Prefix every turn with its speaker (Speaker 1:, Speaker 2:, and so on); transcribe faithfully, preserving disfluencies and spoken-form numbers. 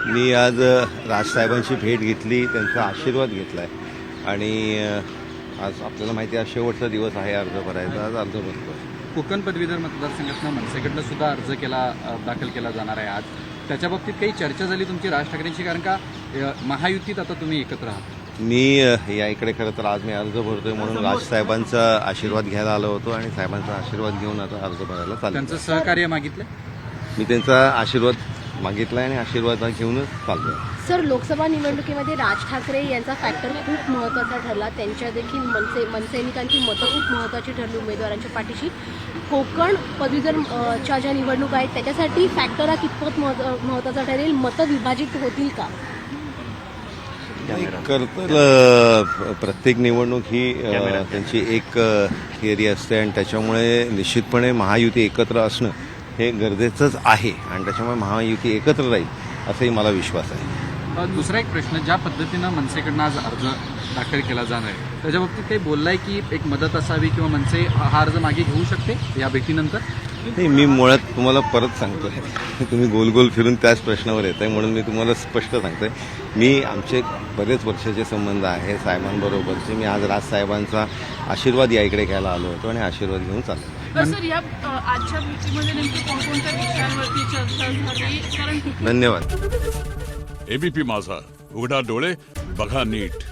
Speaker 1: मी आज राजसाहेबांची भेट घेतली, त्यांचा आशीर्वाद घेतला आहे आणि आज आपल्याला माहिती आहे शेवटचा दिवस आहे अर्ज भरायचा. आज अर्ज भरतो.
Speaker 2: कोकण पदवीधर मतदारसंघातनं मनसेकडनं सुद्धा अर्ज केला दाखल केला जाणार आहे आज. त्याच्या बाबतीत काही चर्चा झाली तुमची राज ठाकरेंची, कारण का महायुतीत आता तुम्ही एकत्र आहात?
Speaker 1: मी या इकडे खरं तर आज मी अर्ज भरतोय म्हणून राजसाहेबांचा आशीर्वाद घ्यायला आलो होतो आणि साहेबांचा आशीर्वाद घेऊन आता अर्ज भरायला चाललो.
Speaker 2: त्यांचं सहकार्य मागितलं?
Speaker 1: मी त्यांचा आशीर्वाद मागितला आणि आशीर्वाद घेऊनच चाललो.
Speaker 3: सर, लोकसभा निवडणुकीमध्ये राज ठाकरे यांचा फॅक्टर खूप महत्त्वाचा ठरला. त्यांच्या देखील मनसे मनसैनिकांची मतं खूप महत्त्वाची ठरली उमेदवारांच्या पाठीशी. कोकण पदवीधरच्या ज्या निवडणूक आहेत त्याच्यासाठी फॅक्टर हा कितपत महत्त्वाचा ठरेल? मतं विभाजित होतील का?
Speaker 1: खरं तर प्रत्येक निवडणूक ही त्यांची एक थिअरी असते आणि त्याच्यामुळे निश्चितपणे महायुती एकत्र असणं हे गरजेचंच आहे आणि त्याच्यामुळे महायुती एकत्र राहील असाही मला विश्वास आहे.
Speaker 2: दुसरा एक प्रश्न, ज्या पद्धतीनं मनसेकडनं आज अर्ज दाखल केला जाणार आहे त्याच्या बाबतीत काही बोललाय की एक मदत असावी किंवा मनसे हा अर्ज मागे घेऊ शकते या भेटीनंतर?
Speaker 1: नाही, मी मुळात तुम्हाला परत सांगतोय, तुम्ही गोल गोल फिरून त्याच प्रश्नावर येत आहे म्हणून मी तुम्हाला स्पष्ट सांगतोय. मी आमचे बरेच वर्षाचे संबंध आहे साहेबांबरोबरचे. मी आज राजसाहेबांचा आशीर्वाद या इकडे घ्यायला आलो होतो आणि आशीर्वाद घेऊन चाललो.
Speaker 4: सर, या आजच्या भेटीमध्ये नेमकी कोणकोणत्या विषयांवरती चर्चा झाली? कारण
Speaker 1: धन्यवाद.
Speaker 5: एबीपी माझा, उघडा डोळे बघा नीट.